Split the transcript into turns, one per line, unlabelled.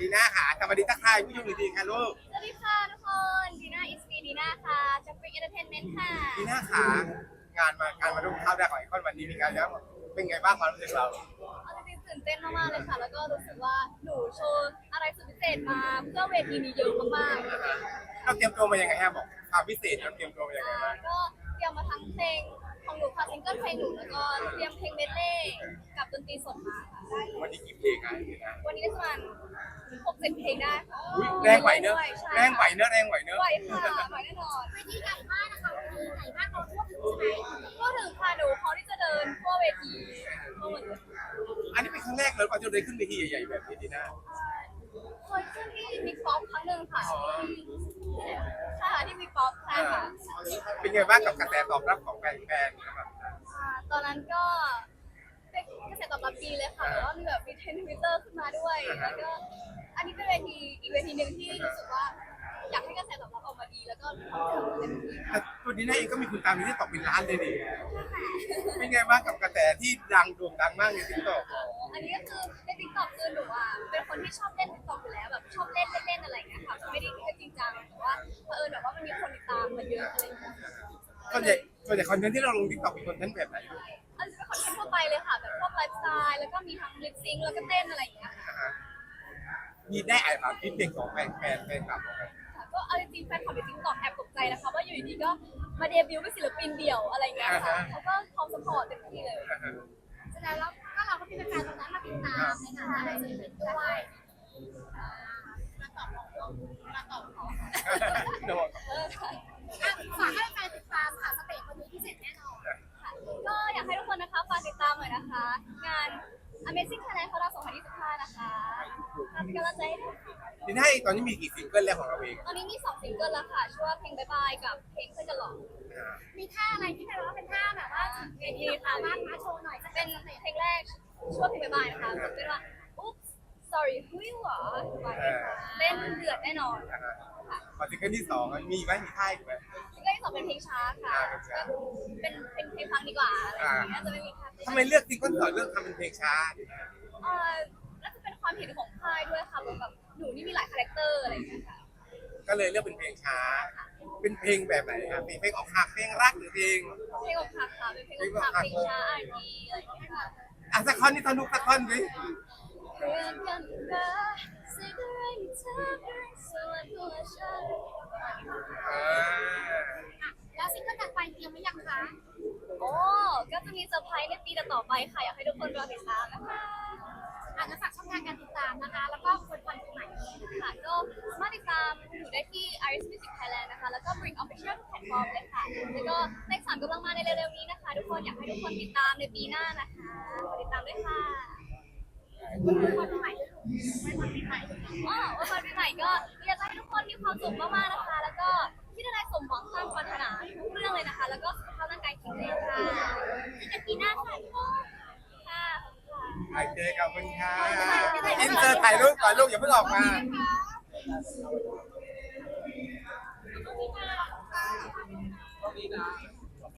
ดีน่าค่ะสวัสดีทักทายผู้ชมดีๆค่ะลูก
สวัสดีค่ะทุกคนดีน่าอิสปีดีน่าค่ะจากฟรีเอนเตอร์เทนเมนต์ค่ะ
ดีน่าค่ะงานมาร่วมเข้าได้ของไอคอนวันนี้มีการแล้วเป็นไงบ้างความรู้สึกเรา
เอาจริงๆตื่นเต้นมากๆเลยค่ะแล้วก็รู้สึกว่าหนูโชว์อะไรสุดพิเศษมาเพื่อเวทีนี้เยอะมากๆ
เราเตรียมตัวมายังไงฮะบอกความพิเศษเราเตรียมตัวมายังไงบ้าง
ก็เตรียมมาทั้งเพลงของหนูค่ะซิงเกิลเพลงหนูแล้วก็เตรียมเพลงเมดเล่กับดนตรีสดมาค่ะ
วันนี้กี่เพลงอ่ะดีน่า
วันนี้ก็ประมาณ6-7เพลงได้ค่ะ
แรงไหวเนอะ
ใช่
แรงไหวเนอะแรงไหวเนอะ
ไหวค่ะไหวแน่นอนเวทีใหญ่มากนะคะเวทีใหญ่มากเราทั่วถึงใช่ไหมทั่วถึงค่ะหนูพร้อมที่จะเดินทั่วเวทีทั่วหมดเลย
อันนี้เป็นครั้งแรกเลยก่อนจะได้ขึ้นเวทีใหญ่ๆแบบนี้ดีน่า
เคยขึ้นที่มิกป๊อปครั้งหนึ่งค่ะใช่ค่ะที่มิกป๊อปใช่ค่ะ
เป็นไงบ้างกับกระแสตอบรับของแฟนๆนะครับ
ตอนนั้นก็เป็นกระแสตอบรับดีเลยค่ะแล้วก็มีแบบมีเทรนด์ทวิตเตอร์ขึ้นมาด้วยแล้วก็อันนี้เป็นเวทีอีกเวทีหนึ่งที่รู้สึกว่าอยากให้กระแสตอบรับออกมาดีแล้วก็ทำเต็มที่
แต่ตัวดีน่าเองก็มีคุณตามที่ตกเป็นล้านเลยดิเป็นไงบ้างกับกระแสที่ดังโด่งดังมากในติ๊กต็อก
อันนี้ก็คือในติ๊กต็อกคือหนูอ่ะเป็นคนที่ชอบเล่นติ๊กต็อกอยู่แล้วแบบชอบเล่นอะไรอย่างเงี้ยค่ะไม่ได้จริงจังแต่ว่าเผอิญแบบว่ามันมีคนติดตามมาเยอะอะไรอย่างเงี้ย
ส่วนใหญ่คอนเทนต์ที่เราลงติ๊กต็อกเป็นคอนเทนต์แบบไหน
อันนี้เป็นคอนเทนต์ทั่วไปเลยค่ะแบบพวกไลฟ์สไตล์แล้วก็มีทั้งลิปซิงค์แล้วก็เต้นอะไรอย่างเงี้ย
มีได้อ่านฟีดแบ็กของแฟนคลับ
ก็เอาจริงๆแฟนคลับในติ๊กต็อกแอบตกใจนะคะว่าอยู่ดีๆก็มาเดบิวต์เป็นศิลปินเดี่ยวอะไรอย่างเงี้ยค่ะเขาก็พร้อมสปอร์ตเต็มที่เลยแสดงแล้วก็เราก็มีแฟนๆตรงนั้นมาติดตามในฐานะอะไรศิลปินด้วยมาตอบ
โดน
ฝากให้แฟนติดตามค่ะสเตจวันนี้พิเศษแน่นอนค่ะก็อยากให้ทุกคนนะคะฝากติดตามหน่อยนะคะงาน Amazing Thailand ของเรา2025นะคะเป็นกำลังใจให้ด้วย
ทีนี้ตอนนี้มีกี่ซิงเกิลแล้วของเราเอง
ตอนนี้มี2ซิงเกิลแล้วค่ะชื่อว่าเพลงบายบายกับเพลงเพื่อนกันหรอมีท่าอะไรที่แบบว่าเป็นท่าแบบว่าเวทีค่ะมาโชว์หน่อยจะเป็นเพลงแรกชื่อว่าเพลงบายบายนะคะเป็นว่า Oops sorry who you are เต้นเดือดแน่นอน
พอซิงเกิลที่2มีไหมมีค่ายไหม
ซิงเกิลที่2เป็นเพลงช้าค่ะเป็นเพลงฟังดีกว่าอะไรอย่างเงี้ยจะไม่มีค่า
ทำไมเลือกซิงเกิล2เลือกทำเป็นเพลงช้า
น่าจะเป็นความเห็นของค่ายด้วยค่ะแบบหนูนี่มีหลายคาแรคเตอร์อะไรอย่างเงี้ยค่ะ
ก็เลยเลือกเป็นเพลงช้าเป็นเพลงแบบไหนครับเพลงอกหักเพลงรักหรือเพลง
อกหักค่ะเป็นเพลงอกหักเพลงช้าR&Bอะไรอย่างเงี้ยค่ะ
สักท่อนนี่สักท่อนดิ
เพื่อนกันนะสิ่งอะไรที่เธอเป็นส่วนตัวฉันแล้วซิงเกิลต่อไปเตรียมไว้ยังคะโอ้ก็จะมีเซอร์ไพรส์ในปีต่อไปค่ะอยากให้ทุกคนรอติดตามนะคะจะฝากช่องทางการติดตามนะคะแล้วก็คนฟังใหม่ค่ะก็สามารถติดตามหนูได้ที่ Iris Music Thailand นะคะแล้วก็ Bring Official ทุกแพลตฟอร์มเลยค่ะแล้วก็เลข3กำลังมาในเร็วๆนี้นะคะทุกคนอยากให้ทุกคนติดตามในปีหน้านะคะขอติดตามด้วยค่ะวันปีใหม่วันปีใหม่วันปีใหม่ก็อยากให้ทุกคนมีความสุขมากๆนะคะแล้วก็ที่ได้สมหวังตามปรารถนาทุกเรื่องเลยนะคะแล้วก็สุขภาพร่างกายแข็งแรงค่ะในปีหน้าค่ะทุกคนค่ะ
โอเคขอบคุณค่ะอินเตอร์ถ่ายรูปก่อนลูกอย่าเพิ่งออกมา
ขอบคุณค่ะ